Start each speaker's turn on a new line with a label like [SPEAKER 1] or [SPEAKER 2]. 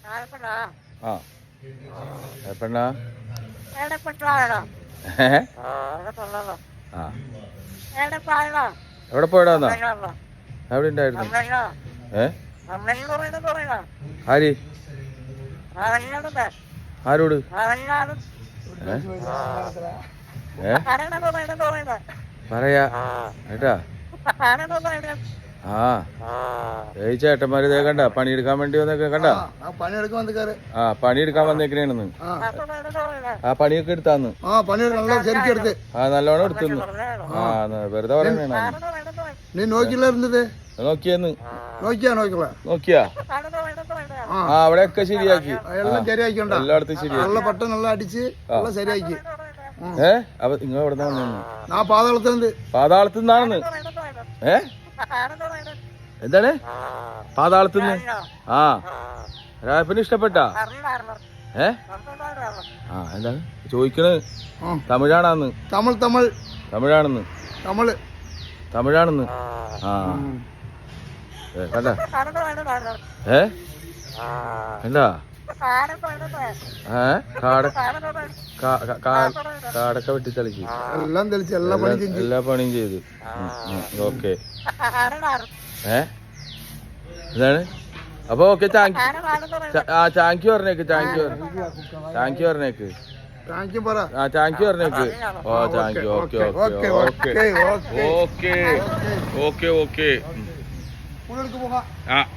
[SPEAKER 1] ആ പെണ്ണാ ആ എവിടെ പോയടാന്നാ എവിടെ ഉണ്ടായിരുന്നു ആര് ആരോട് പറയാ ഏട്ടാ ആ ഏയ് ചേട്ടന്മാര് ഇതേ കണ്ട പണിയെടുക്കാൻ വേണ്ടി വന്നേക്ക കണ്ട ആ പണിയെടുക്കാൻ വന്നേക്കണേന്ന് ആ പണിയൊക്കെ എടുത്താന്ന് ആ നല്ലോണം എടുത്തുന്നു ആ വെറുതെ പറയണ നോക്കിയെന്ന് നോക്കിയാ ആ അവിടെയൊക്കെ ശരിയാക്കി എല്ലായിടത്തും ശരിയാക്കി അപ്പൊ നിങ്ങൾ എവിടെ നിന്നാ പാതാളത്തിൽ നിന്നാണെന്ന് എന്താണ് പാതാളത്തിന്ന് ആ രായപ്പന് ഇഷ്ടപ്പെട്ടാ ആ എന്താണ് ചോദിക്കണത് തമിഴാണെന്ന് തമിഴാണെന്ന് ആ കണ്ട എന്താ കാടൊക്കെ വെട്ടിത്തളിച്ച് എല്ലാ പണിയും ചെയ്ത് ഓക്കെ എന്താണ് അപ്പൊ ഓക്കെ താങ്ക് യു പറഞ്ഞേക്ക് താങ്ക് യു പറഞ്ഞേക്ക് ആ താങ്ക് യു പറഞ്ഞേക്ക് ഓ thank you okay okay okay okay okay okay ആ